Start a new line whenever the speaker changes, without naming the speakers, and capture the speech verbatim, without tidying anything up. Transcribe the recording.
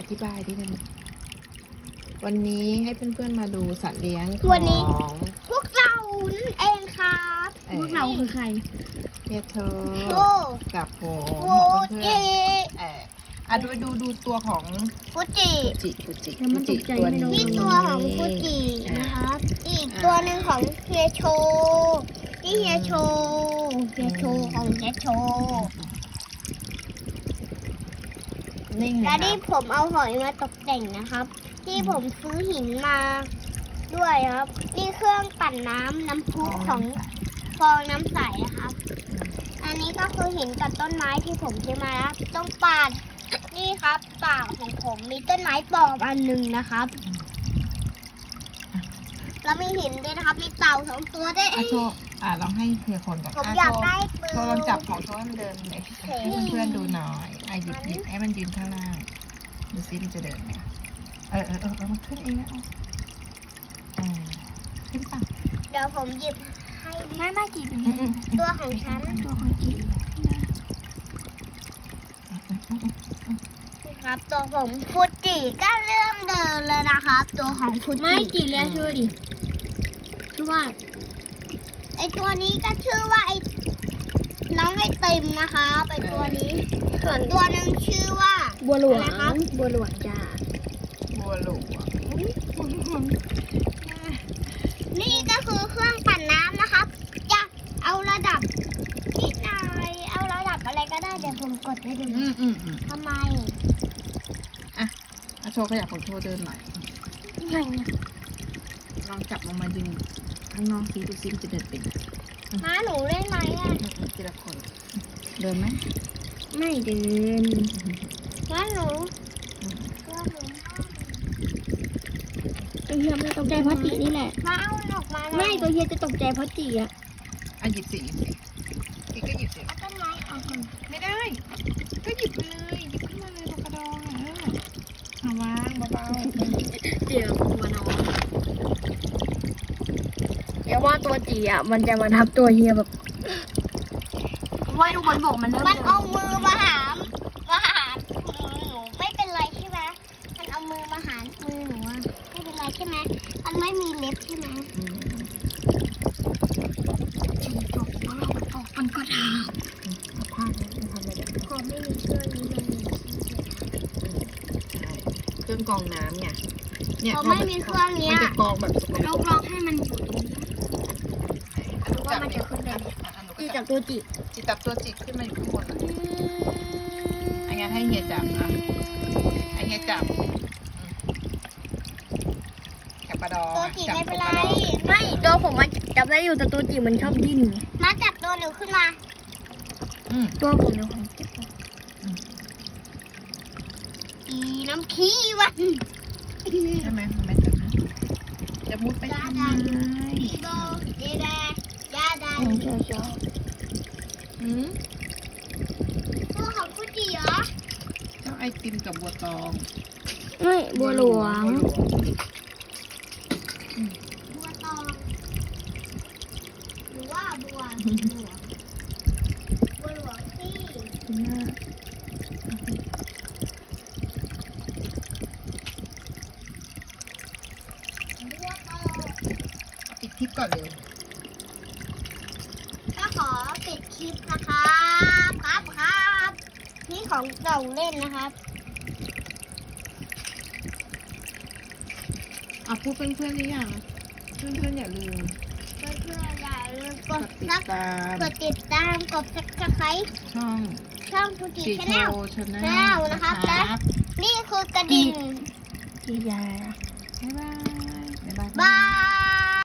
ธิบายดิหนึ่งวันนี้ให้เพื่อนๆมาดูสัตว์เลี้ยงข
วันนี้
อง
พวกเรานั่นเองครับ
เอ่อ
พวกเราคือใคร
เฮียเธอ
โอ้
กับผม
โฟ
เพื่อน
จิ
ๆเอออ่ะดูดูดูตัวของ
ฟูจิ
จิฟูจิ
แล้วมัน
ฟูจิ
ตกใจ
ตัว
ไม่รู้
นี้
นี่ตัวของฟูจินะครับ อีกตัวหนึ่งของเฮียโชนี่เฮียโชเฮียโชของเฮียโช
นิ่ง
และ
นะค
นี่
รับ
ผมเอาหอยมาตกแต่งนะครับ ที่ผมซื้อหินมาด้วยครับ นี่เครื่องปั่นน้ำน้ำพุของฟองน้ำใสนะครับ อันนี้ก็คือหินกับต้นไม้ที่ผมซื้อมาแล้วต้องปาดนี่ครับปากของผมมีต้นไม้ปลอมอันหนึ่งนะครับ แล้วมีหินด้วยนะครับ มีเต่าสองตัวด้วย
อ่ะโชว์อ่ะลองให้เฮียคนก่อน
ผม
อ่ะ
อยาก
โชว์
ได้ปืน
โชว์ลองจับของโชว์ให้มันเดินเลยให้เพื่อนๆดูหน่อยอ่ะหยิบหยิบให้มันยืนข้างล่างดูซิมันจะเดินไหมเออเออเออเออมันขึ้นเองนะเอาเออขึ้นป่ะ
เดี๋ยวผมหยิบให้
ไม่ไม่จีบเป็น
อืมอืม
ตัวของฉัน
ตัวของจีบ
ครับตัวของฟูจิก็เริ่มเดินเลยนะครับ ตัวของฟูจิ
ไม่จีบแล้วชื่อดิชื่อว่า
ไอตัวนี้ก็ชื่อว่าไอน้องไอติมนะคะไอตัวนี้ ส่วนตัวหนึ่งชื่อว่า
บัวหลวง
อะไรครับ
บัวหลวงจ้า
บัวหลวง
นี่ก็คือเครื่องปั่นน้ำนะครับ จะเอาระดับนิดหน่อยเอาระดับอะไรก็ได้เดี๋ยวผมกดให้ดู
อืมอืมอืม
ทำไม
อ่ะโชว์ขยับของโชว์เดินหน่อย
ไม่นะ
ลองจับลงมายืนข้างนอกซิดูซิมันจะเดินเป็น
ม้าหนูเล่นไหมอ่ะ
ทีละคน เดินไหม
ไม่เดิน
ม้าหนู
อืม
ตัวหนู
ตัวเฮียไม่ตกใจเพราะจีนี่แหละ
ม้าเอามันออกมาหน่อย
ไม่ตัวเฮียจะตกใจเพราะจีอะ
อ่ะหยิบสิหยิบสิอีกก็หยิบสิ
เอาต้นไม้ออกมา
ไม่ได้ ก็หยิบไปเลยหยิบขึ้นมาเลยปากกระดองอ่ะเออเอาวางเบา
เดี๋ยวมานอนเดี๋ยวว่าตัวจีอะมันจะมาทับตัวเฮียแบบว่าทุกคนบอกมันเริ่ม
มันเอามือมาหามมาหามมือหนูไม่เป็นไรใช่ไหมมันเอามือมาหามมือหนูอะไม่เป็นไรใช่ไหมมันไม่มีเล็บใช่ไหม
ๆอืม
จีจบว่าเราออกมันก็ท
เอาผ้าเนี่ยทำอะไรแบบนี้
พอไม่มีเชือกนี้มันมี
ใช่เครื่องกรองน้ำเนี่ยเนี่ย
พอไม่มีเครื่องเนี้
มั
ย
นจะกรองแบบสกป
ำ
ร
เรา
ก
ลองให้มันอยู่ตรงนี้ว่ามันจะขึ้นได้ไหม จีจากตัวจี
จิจับตัวจิกขึ้นมาอยู่ข้างบนอ่ะอันงั้นให้เฮียจับอ่ะให้เฮียจับอืมแคปปะดอง
ตัว
อ่ะ
จี
จับ
ไม่เป็นไร
แคปปะดอง
ไม่ตัวผมมันจับได้อยู่แต่ตัวจีมันชอบดิ้นไง
มาจับตัวหนูขึ้นมา
อืม
ตัวผมเนี่ยของเจ็บ
อีน้ำขี้วัน
ใช่ไหมมันไม่จับนะจะมุดไปทำไม
อีโบเดแดยาดา
ผมชอบชอบ
อืม
ตัวของฟูจิเหรอ
เจ้าไอติมกับบัวตอง
ไม่บัวหลวง
บัวหลวง
บัวตองหรือว่าบัวหลวงบัวหลวงที่บัวตอง
ปิดคลิปก่อนเร็ว
ก็ขอปิดคลิปนะครับครับครับนี่ของเก่าเล่นนะครับ
อ่ะพูดเพื่อนๆหรือยังเพื่อนๆอย่าลืม
เพื่อนๆอย่าลืมก
ก
ด
ดติด
ซับ
ตาม
กดติดตามกดซับสไครต์
ช่อง
ช่องฟูจิ
จี
ชา
โช
แนล
ชาแน
แน
ล
ลนะครับและ นี่คือกระดิ่ง
จียา
บ๊ายบายบ๊ายบาย
บาย